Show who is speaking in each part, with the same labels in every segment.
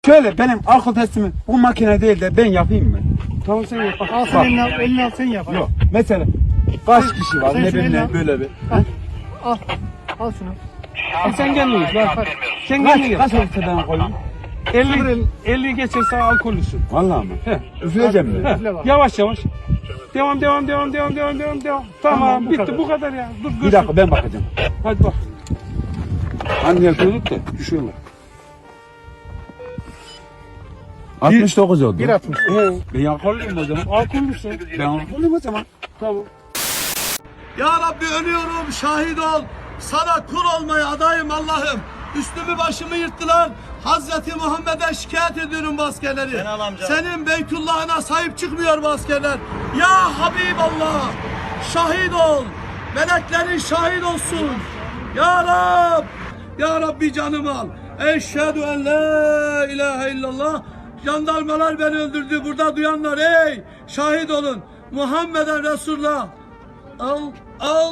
Speaker 1: Şöyle benim alkol testimi bu makine değil de ben yapayım mı?
Speaker 2: Tamam sen yap. Bak, al
Speaker 1: Bak.
Speaker 2: sen elini al sen yap.
Speaker 1: Yok. Mesela kaç kişi var
Speaker 2: sen
Speaker 1: ne
Speaker 2: şunu eline
Speaker 1: bileyim
Speaker 2: al.
Speaker 1: böyle bir.
Speaker 2: Al. Al şunu. Sen kendin git. Bak. Sen kendin
Speaker 1: Kaç
Speaker 2: git.
Speaker 1: olursa ben koyayım?
Speaker 2: 50 geçerse alkollüsün.
Speaker 1: Vallahi mi?
Speaker 2: He.
Speaker 1: Üfleyeceğim mi?
Speaker 2: Üfle bak.
Speaker 3: Yavaş yavaş. Devam. Tamam,
Speaker 2: bu
Speaker 3: bitti
Speaker 2: kadar.
Speaker 3: bu kadar ya. Dur
Speaker 1: Bir
Speaker 3: görsün.
Speaker 1: dakika ben bakacağım.
Speaker 3: Hadi bak.
Speaker 1: Hani yapıyorduk da düşüyorlar. 69 oldu.
Speaker 2: 1.60.
Speaker 1: Ben alkollüyüm o zaman.
Speaker 3: Alkollüsün.
Speaker 1: Ben alkollüyüm o zaman.
Speaker 3: Tamam.
Speaker 4: Ya Rabbi ölüyorum, şahit ol. Sana kul olmaya adayım Allah'ım. Üstümü başımı yırttılar. Hazreti Muhammed'e şikayet ediyorum bu askerleri. Senin Beytullah'ına sahip çıkmıyor bu askerler. Ya Habiballah, şahit ol. Meleklerin şahit olsun. Ya Rab, Ya Rabbi canımı al. Eşhedü en la ilahe illallah. Jandarmalar beni öldürdü. Burada duyanlar ey şahit olun. Muhammeden Resulullah. Al.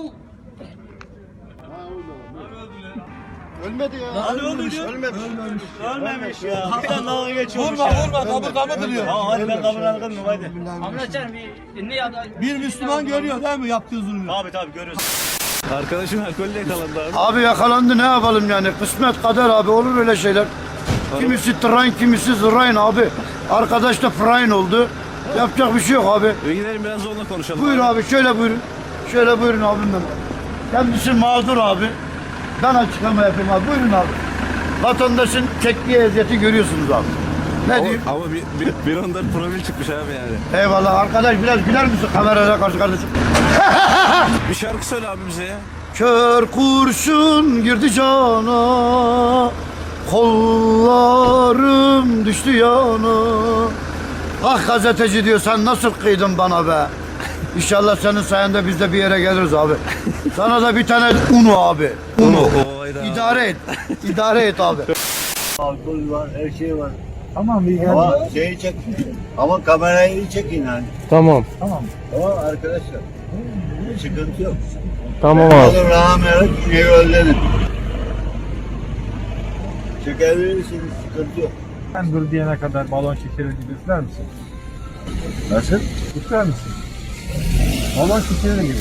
Speaker 2: Ölmedi ya.
Speaker 4: Ölmemiş ya. Hatta dalga geçiyormuş ya. Vurma kabı duruyor. Hadi ben kabını aldım mı hadi.
Speaker 5: Amcacan bir ne ya da
Speaker 4: Bir Müslüman görüyor değil mi yaptığı zulmü?
Speaker 5: tabii görüyoruz.
Speaker 6: Arkadaşım alkolle yakalandı abi.
Speaker 7: Abi yakalandı ne yapalım yani kısmet kader abi olur öyle şeyler. Kimisi tırayn kimisi zırrayn abi. Arkadaş da fırayın oldu. Yapacak bir şey yok abi.
Speaker 6: Gidelim biraz onunla konuşalım.
Speaker 7: Buyur abi şöyle buyurun. Şöyle buyurun abim benim. Kendisi mağdur abi. Ben açıklama yapayım abi. Buyurun abi. Vatandaşın çektiği eziyeti görüyorsunuz abi. Ne diyeyim?
Speaker 6: Ama bir onda profil çıkmış abi yani.
Speaker 7: Eyvallah arkadaş biraz güler misin kameraya karşı kardeşim?
Speaker 6: Bir şarkı söyle abi bize ya.
Speaker 7: Kör kurşun girdi cana, kollarım düştü yana. Ah gazeteci diyor sen nasıl kıydın bana be. İnşallah senin sayende biz de bir yere geliriz abi. Sana da bir tane unu abi. Unu. İdare et. İdare et abi.
Speaker 8: Alkol var, her şey var.
Speaker 1: Tamam iyi
Speaker 8: Ama şeyi çek. Ama kamerayı iyi çekin yani.
Speaker 2: Tamam.
Speaker 8: Tamam arkadaşlar. Sıkıntı yok.
Speaker 2: Tamam abi.
Speaker 8: Alın rahmet evi özledim. Çekebilirsiniz, sıkıntı yok.
Speaker 3: Sen dur diyene kadar balon şekerir gibi üfler misin?
Speaker 8: Nasıl?
Speaker 3: Üfler misin? Balon şekerir gibi.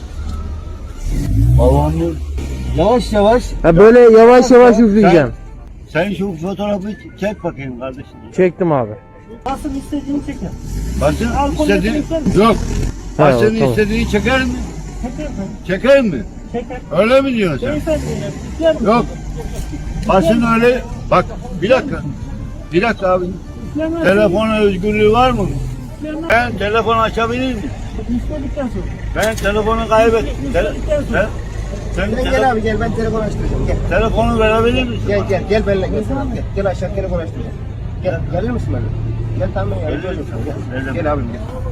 Speaker 8: Balonlu.
Speaker 4: Yavaş yavaş.
Speaker 2: Ha böyle yavaş yavaş üfleyeceğim.
Speaker 8: Sen şu fotoğrafı çek bakayım kardeşim.
Speaker 2: Çektim abi.
Speaker 8: Basın istediğini,
Speaker 4: Yok.
Speaker 8: basın
Speaker 2: tamam.
Speaker 8: istediğini çeker mi? Çeker mi? Öyle mi diyorsun sen? Yok. Basın öyle. Bak bir dakika. Bir dakika abi. Telefon özgürlüğü var mı? Ben telefon açabilir miyim? Ben telefonu kaybettim. Sen
Speaker 9: Gel abi gel ben telefon açtıracağım gel.
Speaker 8: telefonu verebilir misin?
Speaker 9: Gel benimle gel. Gel aşağı telefon açtıracağım. Gelir misin benimle? Gel tamam gel. Gel abim gel.